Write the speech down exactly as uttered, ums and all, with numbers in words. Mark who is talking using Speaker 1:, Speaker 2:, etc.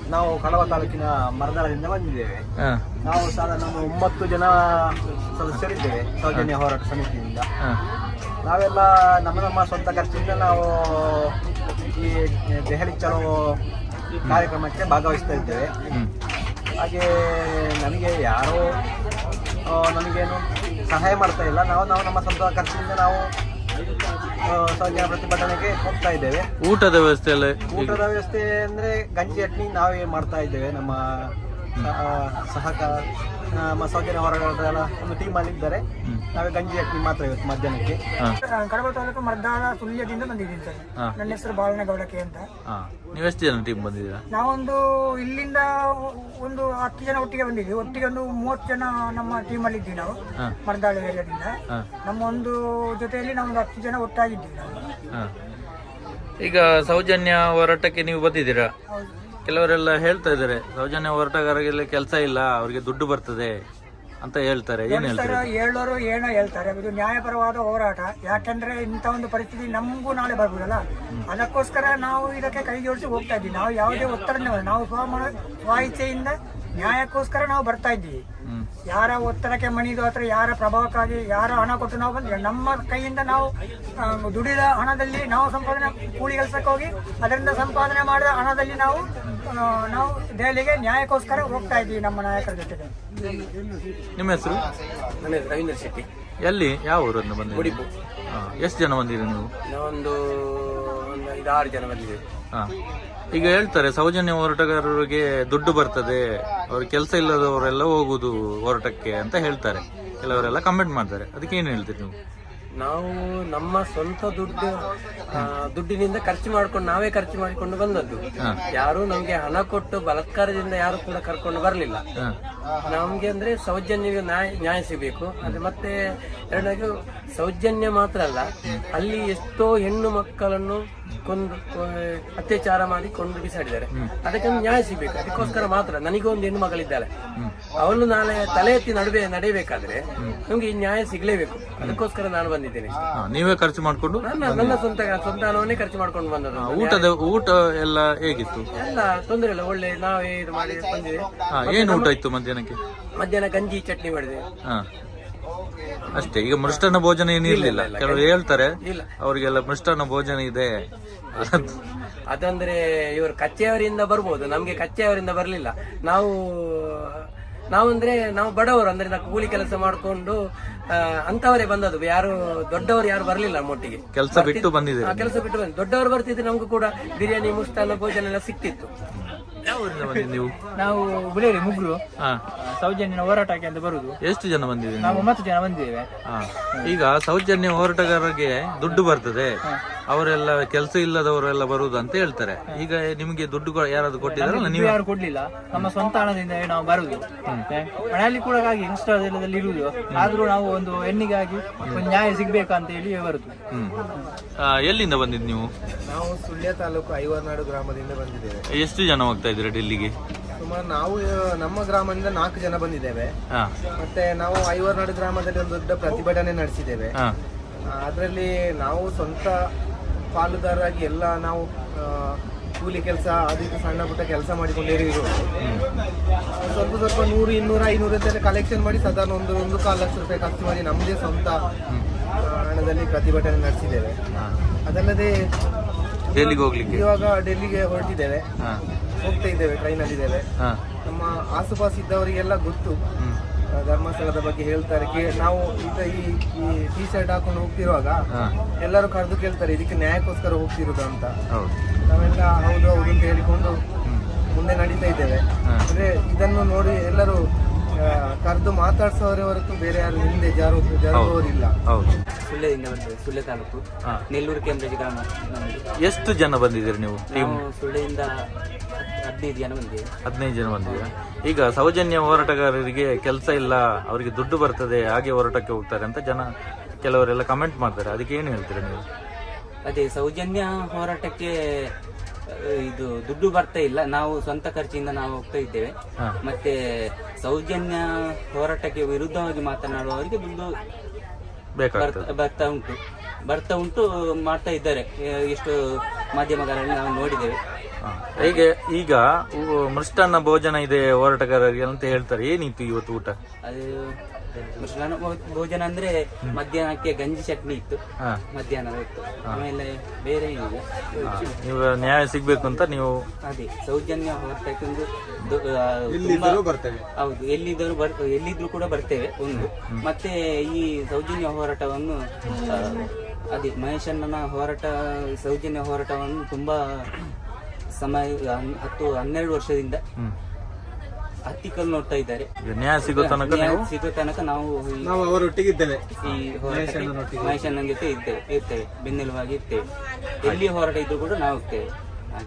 Speaker 1: ನಾವು ಕಡವ ತಾಲೂಕಿನ ಮರದಾಳದಿಂದ ಬಂದಿದ್ದೇವೆ. ನಾವು ಸಾಧಾರಣ ನಮ್ಮ ಒಂಬತ್ತು ಜನ ಸದಸ್ಯರಿದ್ದೇವೆ ಸೌಜನ್ಯ ಹೋರಾಟ ಸಮಿತಿಯಿಂದ. ನಾವೆಲ್ಲ ನಮ್ಮ ನಮ್ಮ ಸ್ವಂತ ಖರ್ಚಿಂದ ನಾವು ಈ ದೆಹಲಿ ಚಲೋ ಕಾರ್ಯಕ್ರಮಕ್ಕೆ ಭಾಗವಹಿಸ್ತಾ ಇದ್ದೇವೆ. ಹಾಗೆ ನನಗೆ ಯಾರೋ ನಮಗೇನು ಸಹಾಯ ಮಾಡ್ತಾ ಇಲ್ಲ. ನಾವು ನಾವು ನಮ್ಮ ಸ್ವಂತ ಖರ್ಚಿನಿಂದ ನಾವು ಸೌಜನ್ಯ ಪ್ರತಿಭಟನೆಗೆ ಹೋಗ್ತಾ ಇದ್ದೇವೆ.
Speaker 2: ಊಟದ ವ್ಯವಸ್ಥೆ ಎಲ್ಲ
Speaker 1: ಊಟದ ವ್ಯವಸ್ಥೆ ಅಂದ್ರೆ ಗಂಜಿ ಚಟ್ನಿ ನಾವೇ ಮಾಡ್ತಾ ಇದ್ದೇವೆ. ನಮ್ಮ ಸಹಕಾರ ನಮ್ಮ ಸೌಜನ್ಯ ಹೋರಾಟದ ಒಂದು ಟೀಮ್ ಅಲ್ಲಿ ಇದ್ದಾರೆ. ನಾವೇ ಗಂಜಿ ಚಟ್ನಿ ಮಾತ್ರ ಇವತ್ತು ಮಧ್ಯಾಹ್ನಕ್ಕೆ.
Speaker 3: ಕಡಬ ತಾಲೂಕು ಮರ್ದಾಳ ಸುಳ್ಯದಿಂದ ಬಂದಿದ್ದೀನಿ ಸರ್. ನನ್ನ ಹೆಸರು ಬಾಲನಗೌಡಕೆ ಅಂತ.
Speaker 2: ನೀವೆಷ್ಟು ಜನ ಟೀಮ್ ಬಂದಿದ್ದೀರಾ?
Speaker 3: ನಾವೊಂದು ಇಲ್ಲಿಂದ ಒಂದು ಹತ್ತು ಜನ ಒಟ್ಟಿಗೆ ಬಂದಿದ್ವಿ. ಒಟ್ಟಿಗೆ ಒಂದು ಮೂವತ್ತು ಜನ ನಮ್ಮ ಟೀಮ್ ಅಲ್ಲಿ ಇದ್ವಿ ನಾವು ಮರ್ದಾಳ ಏರಿಯಾದಿಂದ. ನಮ್ಮ ಒಂದು ಜೊತೆಯಲ್ಲಿ ನಾವೊಂದು ಹತ್ತು ಜನ ಒಟ್ಟಾಗಿದ್ದೀವಿ ನಾವು.
Speaker 2: ಈಗ ಸೌಜನ್ಯ ಹೋರಾಟಕ್ಕೆ ನೀವು ಬಂದಿದ್ದೀರಾ? ಕೆಲವರೆಲ್ಲ ಹೇಳ್ತಾ ಇದ್ದಾರೆ ಸೌಜನ್ಯ ಹೋರಾಟಗಾರರಿಗೆ ಕೆಲಸ ಇಲ್ಲ, ಅವ್ರಿಗೆ ದುಡ್ಡು ಬರ್ತದೆ ಅಂತ ಹೇಳ್ತಾರೆ. ಏನ್ ಹೇಳ್ತಾರೆ?
Speaker 3: ಹೇಳೋರು ಏನೋ ಹೇಳ್ತಾರೆ. ಇದು ನ್ಯಾಯಪರವಾದ ಹೋರಾಟ. ಯಾಕಂದ್ರೆ ಇಂಥ ಒಂದು ಪರಿಸ್ಥಿತಿ ನಮಗೂ ನಾಳೆ ಬರ್ಬೋದಲ್ಲ, ಅದಕ್ಕೋಸ್ಕರ ನಾವು ಇದಕ್ಕೆ ಕೈ ಜೋಡಿಸಿ ಹೋಗ್ತಾ ಇದ್ದೀವಿ. ನಾವು ಯಾವುದೇ ಒತ್ತಡ ನಾವು ಸ್ವ ಸ್ವ ಇಚ್ಛೆಯಿಂದ ನ್ಯಾಯಕ್ಕೋಸ್ಕರ ನಾವು ಬರ್ತಾ ಇದ್ದೀವಿ. ಯಾರ ಒತ್ತಡಕ್ಕೆ ಮಣಿದು ಅಥವಾ ಯಾರ ಪ್ರಭಾವಕ್ಕಾಗಿ ಯಾರ ಹಣ ಕೊಟ್ಟು ನಾವು ಬಂದ್ರೆ ನಮ್ಮ ಕೈಯಿಂದ ನಾವು ದುಡಿದ ಹಣದಲ್ಲಿ ನಾವು ಸಂಪಾದನೆ ಕೂಲಿ ಕೆಲಸಕ್ಕೆ ಹೋಗಿ ಅದರಿಂದ ಸಂಪಾದನೆ ಮಾಡಿದ ಹಣದಲ್ಲಿ ನಾವು ನಾವು ದೆಹಲಿಗೆ ನ್ಯಾಯಕ್ಕೋಸ್ಕರ ಹೋಗ್ತಾ ಇದ್ದೀವಿ ನಮ್ಮ ನಾಯಕರ ಜೊತೆಗೆ.
Speaker 2: ನಿಮ್ಮ ಹೆಸರು?
Speaker 1: ನನ್ನ ಹೆಸರು ರವೀಂದ್ರ ಶೆಟ್ಟಿ.
Speaker 2: ಎಲ್ಲಿ ಯಾವ ಊರನ್ನು ಬಂದಿದ್ದೀರಿ?
Speaker 1: ಉಡುಪು.
Speaker 2: ಎಷ್ಟು ಜನ ಬಂದಿರಿ ನೀವು?
Speaker 1: ನಾವೊಂದು ಐದಾರು ಜನ ಬಂದಿದ್ದೇವೆ.
Speaker 2: ಹಾ, ಈಗ ಹೇಳ್ತಾರೆ ಸೌಜನ್ಯ ಹೋರಾಟಗಾರರಿಗೆ ದುಡ್ಡು ಬರ್ತದೆ, ಅವ್ರ ಕೆಲಸ ಇಲ್ಲದವರೆಲ್ಲ ಹೋಗುದು ಹೋರಾಟಕ್ಕೆ ಅಂತ ಹೇಳ್ತಾರೆ. ಕೆಲವರೆಲ್ಲ ಕಮೆಂಟ್ ಮಾಡ್ತಾರೆ. ಅದಕ್ಕೆ ಏನು ಹೇಳ್ತೀರಿ ನೀವು?
Speaker 1: ನಾವು ನಮ್ಮ ಸ್ವಂತ ದುಡ್ಡು ದುಡ್ಡಿನಿಂದ ಖರ್ಚು ಮಾಡ್ಕೊಂಡು ನಾವೇ ಖರ್ಚು ಮಾಡಿಕೊಂಡು ಬಂದದ್ದು. ಯಾರು ನಮ್ಗೆ ಹಣ ಕೊಟ್ಟು ಬಲಾತ್ಕಾರದಿಂದ ಯಾರು ಕೂಡ ಕರ್ಕೊಂಡು ಬರ್ಲಿಲ್ಲ. ನಮ್ಗೆ ಅಂದ್ರೆ ಸೌಜನ್ಯ ನ್ಯಾಯ ನ್ಯಾಯ ಸಿಗಬೇಕು. ಅದೇ ಮತ್ತೆ ಎರಡನೇದು ಸೌಜನ್ಯ ಮಾತ್ರ ಅಲ್ಲ, ಅಲ್ಲಿ ಎಷ್ಟೋ ಹೆಣ್ಣು ಮಕ್ಕಳನ್ನು ಕೊಂದು ಅತ್ಯಾಚಾರ ಮಾಡಿ ಕೊಂಡು ಬಿಸಾಡಿದ್ದಾರೆ. ಅದಕ್ಕೆ ನ್ಯಾಯ ಸಿಗ್ಬೇಕು. ಅದಕ್ಕೋಸ್ಕರ ಮಾತ್ರ ನನಗೊಂದು ಹೆಣ್ಣು ಮಗಳಿದ್ದಾಳೆ, ಅವಳು ನಾಳೆ ತಲೆ ಎತ್ತಿ ನಡುವೆ ನಡೆಯಬೇಕಾದ್ರೆ ನಮ್ಗೆ ಈ ನ್ಯಾಯ ಸಿಗ್ಲೇಬೇಕು. ಅದಕ್ಕೋಸ್ಕರ ನಾನು ಬಂದಿದ್ದೇನೆ.
Speaker 2: ನೀವೇ ಖರ್ಚು ಮಾಡ್ಕೊಂಡು?
Speaker 1: ನನ್ನ ನನ್ನ ಸ್ವಂತ ಸ್ವಂತ ಹಣವನ್ನೇ ಖರ್ಚು ಮಾಡ್ಕೊಂಡು ಬಂದದ್ದು.
Speaker 2: ಊಟದ ಊಟ ಎಲ್ಲ ಹೇಗಿತ್ತು?
Speaker 1: ಎಲ್ಲ ತೊಂದರೆ ಇಲ್ಲ, ಒಳ್ಳೆ ನಾವೇ ಇದು ಮಾಡಿ ಬಂದಿದೆ.
Speaker 2: ಏನು ಊಟ ಇತ್ತು ಮಧ್ಯಾಹ್ನಕ್ಕೆ?
Speaker 1: ಮಧ್ಯಾಹ್ನ ಗಂಜಿ ಚಟ್ನಿ ಮಾಡಿದೆ
Speaker 2: ಅಷ್ಟೇ. ಈಗ ಮೃಷ್ಟಾನ್ನ ಭೋಜನ ಏನು ಇರ್ಲಿಲ್ಲ? ಕೆಲವರು ಹೇಳ್ತಾರೆ ಅವ್ರಿಗೆಲ್ಲ ಮೃಷ್ಟಾನ್ನ ಭೋಜನ ಇದೆ.
Speaker 1: ಅದಂದ್ರೆ ಇವರು ಕಚ್ಚೆಯವರಿಂದ ಬರ್ಬೋದು, ನಮ್ಗೆ ಕಚ್ಚೆಯವರಿಂದ ಬರ್ಲಿಲ್ಲ. ನಾವು ನಾವಂದ್ರೆ ನಾವು ಬಡವರು, ಅಂದ್ರೆ ನಾವು ಕೂಲಿ ಕೆಲಸ ಮಾಡ್ಕೊಂಡು ಅಂತವರೇ ಬಂದದ್ದು. ಯಾರು ದೊಡ್ಡವರು ಯಾರು ಬರ್ಲಿಲ್ಲ ನಮ್ಮೊಟ್ಟಿಗೆ.
Speaker 2: ಕೆಲಸ ಬಿಟ್ಟು ಬಂದಿದೆ.
Speaker 1: ಕೆಲಸ ಬಿಟ್ಟು ಬಂದ ದೊಡ್ಡವರು ಬರ್ತಿದ್ರೆ ನಮ್ಗೂ ಕೂಡ ಬಿರಿಯಾನಿ ಮುಷ್ಟಾನ್ನ ಭೋಜನ ಎಲ್ಲ ಸಿಕ್ತಿತ್ತು.
Speaker 2: ನೀವು?
Speaker 3: ನಾವು ಬುಲೇರಿ ಮುಗ್ರು ಸೌಜನ್ಯ ಹೋರಾಟಕ್ಕೆ ಅಂತ ಬರುದು.
Speaker 2: ಎಷ್ಟು ಜನ ಬಂದಿದ್ದೀವಿ?
Speaker 3: ನಾವು ಒಂಬತ್ತು ಜನ ಬಂದಿದ್ದೇವೆ.
Speaker 2: ಈಗ ಸೌಜನ್ಯ ಹೋರಾಟಗಾರರಿಗೆ ದುಡ್ಡು ಬರ್ತದೆ, ಅವರೆಲ್ಲ ಕೆಲಸ ಇಲ್ಲದವರೆಲ್ಲ ಬರುದು ಅಂತ ಹೇಳ್ತಾರೆ. ಈಗ ನಿಮ್ಗೆ ದುಡ್ಡು ಯಾರಾದ್ರು ಕೊಟ್ಟಿದಾರಲ್ಲ? ನೀವು?
Speaker 3: ಯಾರು ಕೊಡ್ಲಿಲ್ಲ, ನಮ್ಮ ಸ್ವಂತ ಹಣದಿಂದ ನಾವು ಬರುದು. ಮನೆಯಲ್ಲಿ ಕೂಡ ಹಾಗೆ ಇನ್ಸ್ಟಾದಲ್ಲಿ ಇರುವುದು. ಆದ್ರೂ ನಾವು ಒಂದು ಹೆಣ್ಣಿಗಾಗಿ ಒಂದು ನ್ಯಾಯ ಸಿಗ್ಬೇಕಂತ ಹೇಳಿ ಬರುದು.
Speaker 2: ಹ್ಮ್. ಎಲ್ಲಿಂದ ಬಂದಿದ್ ನೀವು?
Speaker 1: ನಾವು ಸುಳ್ಯ ತಾಲೂಕು ಐವರ್ನಾಡು ಗ್ರಾಮದಿಂದ ಬಂದಿದ್ದೇವೆ.
Speaker 2: ಎಷ್ಟು ಜನ ಹೋಗ್ತಾ ಇದ್ದೀರಾ ಡೆಲ್ಲಿಗೆ?
Speaker 1: ಸುಮಾರು ನಾವು ನಮ್ಮ ಗ್ರಾಮದಿಂದ ನಾಲ್ಕು ಜನ ಬಂದಿದ್ದೇವೆ. ಮತ್ತೆ ನಾವು ಐವರ್ನಾಡು ಗ್ರಾಮದಲ್ಲಿ ಒಂದು ದೊಡ್ಡ ಪ್ರತಿಭಟನೆ ನಡೆಸಿದ್ದೇವೆ. ಅದರಲ್ಲಿ ನಾವು ಸ್ವಂತ ಪಾಲುದಾರರಾಗಿ ಎಲ್ಲ ನಾವು ಕೂಲಿ ಕೆಲಸ ಅದಕ್ಕೆ ಸಣ್ಣ ಪುಟ್ಟ ಕೆಲಸ ಮಾಡಿಕೊಂಡೇ ಇರೋದು. ಸ್ವಲ್ಪ ಸ್ವಲ್ಪ ನೂರು ಇನ್ನೂರ ಐನೂರು ಅಂತ ಕಲೆಕ್ಷನ್ ಮಾಡಿ ಸಾಧಾರಣ ಒಂದು ಒಂದು ಕಾಲು ಲಕ್ಷ ರೂಪಾಯಿ ಖರ್ಚು ಮಾಡಿ ನಮ್ಮದೇ ಸ್ವಂತ ಹಣದಲ್ಲಿ ಪ್ರತಿಭಟನೆ ನಡೆಸಿದ್ದೇವೆ. ಅದಲ್ಲದೆ
Speaker 2: ಡೆಲ್ಲಿಗೆ ಹೋಗ್ಲಿಕ್ಕೆ
Speaker 1: ಇವಾಗ ಡೆಲ್ಲಿಗೆ ಹೊರಟಿದ್ದೇವೆ, ಹೋಗ್ತಾ ಇದ್ದೇವೆ, ಟ್ರೈನಲ್ಲಿ ಇದ್ದೇವೆ. ನಮ್ಮ ಆಸುಪಾಸು ಇದ್ದವರಿಗೆಲ್ಲ ಗೊತ್ತು ಧರ್ಮಸ್ಥಳದ ಬಗ್ಗೆ ಹೇಳ್ತಾರೆ. ನಾವು ಈಗ ಈ ಟಿ ಶರ್ಟ್ ಹಾಕೊಂಡು ಹೋಗ್ತಿರುವಾಗ ಎಲ್ಲರೂ ಕರೆದು ಕೇಳ್ತಾರೆ ಇದಕ್ಕೆ ನ್ಯಾಯಕ್ಕೋಸ್ಕರ ಹೋಗ್ತಿರೋದು ಅಂತ. ನಾವೆಲ್ಲ ಹೌದು ಹೌದು ಅಂತ ಹೇಳಿಕೊಂಡು ಮುಂದೆ ನಡೀತಾ ಇದ್ದೇವೆ. ಅಂದ್ರೆ ಇದನ್ನು ನೋಡಿ ಎಲ್ಲರೂ ಕರೆದು ಮಾತಾಡ್ಸೋರೇ ಹೊರತು ಬೇರೆ ಯಾರು ಹಿಂದೆ ಜಾರು ಜಾರುವವರಿಲ್ಲ. ಸುಳ್ಯದಿಂದ ಬಂದಿದೆ, ಸುಳ್ಯ ತಾಲೂಕು ನೆಲ್ಲೂರು ಕೇಂದ್ರಜಿ ಗ್ರಾಮ.
Speaker 2: ಎಷ್ಟು ಜನ ಬಂದಿದ್ದೀರಿ ನೀವು?
Speaker 1: ಸುಳ್ಯದಿಂದ ಹದಿನೈದು ಜನ ಬಂದಿದೆ.
Speaker 2: ಹದಿನೈದು ಜನ ಬಂದಿದ್ದೀರಾ? ಈಗ ಸೌಜನ್ಯ ಹೋರಾಟಗಾರರಿಗೆ ಕೆಲಸ ಇಲ್ಲ, ಅವರಿಗೆ ದುಡ್ಡು ಬರ್ತದೆ, ಹಾಗೆ ಹೋರಾಟಕ್ಕೆ ಹೋಗ್ತಾರೆ ಅಂತ ಜನ ಕೆಲವರೆಲ್ಲ ಕಮೆಂಟ್ ಮಾಡ್ತಾರೆ. ಅದಕ್ಕೆ ಏನು ಹೇಳ್ತೀರಾ ನೀವು?
Speaker 4: ಅದೇ ಸೌಜನ್ಯ ಹೋರಾಟಕ್ಕೆ ಇದು ದುಡ್ಡು ಬರ್ತಾ ಇಲ್ಲ, ನಾವು ಸ್ವಂತ ಖರ್ಚಿಂದ ನಾವು ಹೋಗ್ತಾ ಇದ್ದೇವೆ. ಮತ್ತೆ ಸೌಜನ್ಯ ಹೋರಾಟಕ್ಕೆ ವಿರುದ್ಧವಾಗಿ ಮಾತನಾಡುವವರಿಗೆ ದುಡ್ಡು ಬರ್ತಾ ಉಂಟು ಬರ್ತಾ ಉಂಟು ಮಾಡ್ತಾ ಇದ್ದಾರೆ. ಎಷ್ಟು ಮಾಧ್ಯಮಗಳಲ್ಲಿ ನಾವು ನೋಡಿದ್ದೇವೆ.
Speaker 2: ಹಾ. ಹೀಗೆ ಈಗ ಉ- ಮೃಷ್ಟಾನ್ನ ಭೋಜನ ಇದೆ ಹೋರಾಟಗಾರರಿಗೆ ಅಂತ ಹೇಳ್ತಾರೆ, ಏನಿತ್ತು ಇವತ್ತು ಊಟ?
Speaker 4: ಅದು ಮೃಷ್ಟಾನ್ನ ಭೋ- ಭೋಜನ ಅಂದ್ರೆ ಮಧ್ಯಾಹ್ನಕ್ಕೆ ಗಂಜಿ ಚಟ್ನಿ ಇತ್ತು,
Speaker 2: ಹಾ.
Speaker 4: ಮಧ್ಯಾಹ್ನದ ಹೊತ್ತು. ಆಮೇಲೆ ಬೇರೆ ಏನಿಲ್ಲ.
Speaker 2: ಹಾ. ನೀವು ನ್ಯಾಯ ಸಿಗ್ಬೇಕು ಅಂತ ನೀವು
Speaker 4: ಅದೇ ಸೌಜನ್ಯ ಹೋರಾಟಕ್ಕೆ ಒಂದು ದೊ- ಆ, ತುಂಬಾ ಹೌದು, ಎಲ್ಲಿದ್ದರೂ ಬರ್ ಎಲ್ಲಿದ್ರು ಕೂಡ ಬರ್ತೇವೆ ಒಂದು. ಮತ್ತೆ ಈ ಸೌಜನ್ಯ ಹೋರಾಟವನ್ನು ಆ, ಅದೇ ಮಹೇಶಣ್ಣನ ಹೋರಾಟ, ಸೌಜನ್ಯ ಹೋರಾಟವನ್ನು ತುಂಬಾ ಸಮಯ ಹನ್- ಹತ್ತು ಹನ್ನೆರಡು ವರ್ಷದಿಂದ
Speaker 2: ಹ್ಮ್.
Speaker 4: ಹತ್ತಿಕಲ್ ನೋಡ್ತಾ ಇದ್ದಾರೆ.
Speaker 2: ಈಗ ನ್ಯಾಯ ಸಿಗೋ ತನಕ
Speaker 4: ನ್ಯಾಯ
Speaker 2: ನೀವು
Speaker 4: ಸಿಗೋ ತನಕ ನಾವು ಈ-
Speaker 5: ನಾವು ಅವರೊಟ್ಟಿಗಿದ್ದೇವೆ.
Speaker 4: ಈ ಹೋರಾಟಕ್ಕೆ ಮಹೇಶಣ್ಣನ ಜೊತೆ ಇದ್ದೇವೆ ಇರ್ತೇವೆ ಬೆನ್ನೆಲುಬಾಗಿ ಇರ್ತೇವೆ. ಎಲ್ಲಿ ಹೋರಾಟ ಇದ್ರು ಕೂಡ ನಾವು ಹೋಗ್ತೇವೆ.